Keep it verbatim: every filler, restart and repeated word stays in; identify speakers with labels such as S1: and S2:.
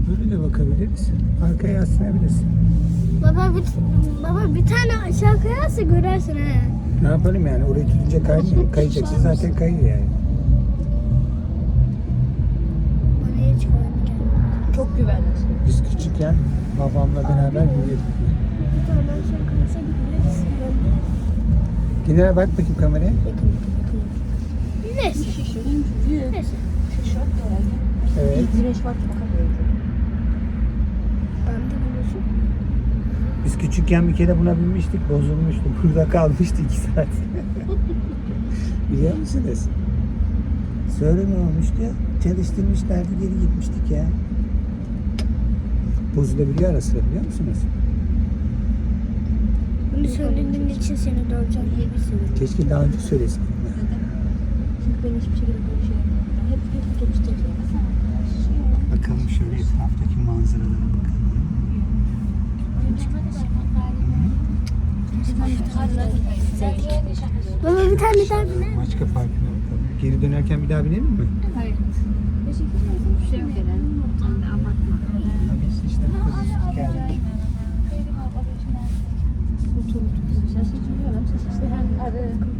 S1: Böyle de bakabiliriz. Arkaya yaslanabilirsin.
S2: Baba bir, baba bir tane aşağı kayarsa görersin he.
S1: Ne yapalım yani? Orayı tutunca kaymıyor. Kayacaksın zaten kayıyor yani.
S2: Bana hiç koymadı.
S3: Çok güvenli.
S1: Biz küçükken babamla beraber yürüyorduk.
S2: Bir tane aşağı kayarsa göreriz.
S1: Yine bak bakayım kameraya.
S3: Yakın yakın.
S2: Neyse.
S3: Şişirin büyük.
S2: Neyse.
S3: Şişirin herhalde.
S1: Evet.
S3: Güneş var ki bakamıyorum.
S2: Ben de biliyorsun.
S1: Biz küçükken bir kere buna binmiştik. Bozulmuştu. Burada kalmıştı iki saat. Biliyor musunuz? Sonra ne olmuştu? Çalıştırmışlardı, geri gitmiştik ya. Bozulabiliyor ara sıra, biliyor musunuz?
S2: Bunu söylediğin için seni döveceğim.
S3: İyi bir sürü.
S1: Keşke daha önce söyleseydin.
S3: Çünkü ben hiçbir şekilde böyle şey yapmıyorum. Ben hep hep otobüste yapıyorum.
S1: Bakalım şöyle etraftaki manzaralara bakalım.
S2: Baba bir tane daha biner.
S1: Maçka Parkı'na bakalım. Geri dönerken bir daha binelim mi?
S3: Hayır. Bir şey yok herhalde. Abartma.
S1: Biz işte bu kadar geldik.
S3: Otur otur. Ses çıkıyor. Ses işte hem arı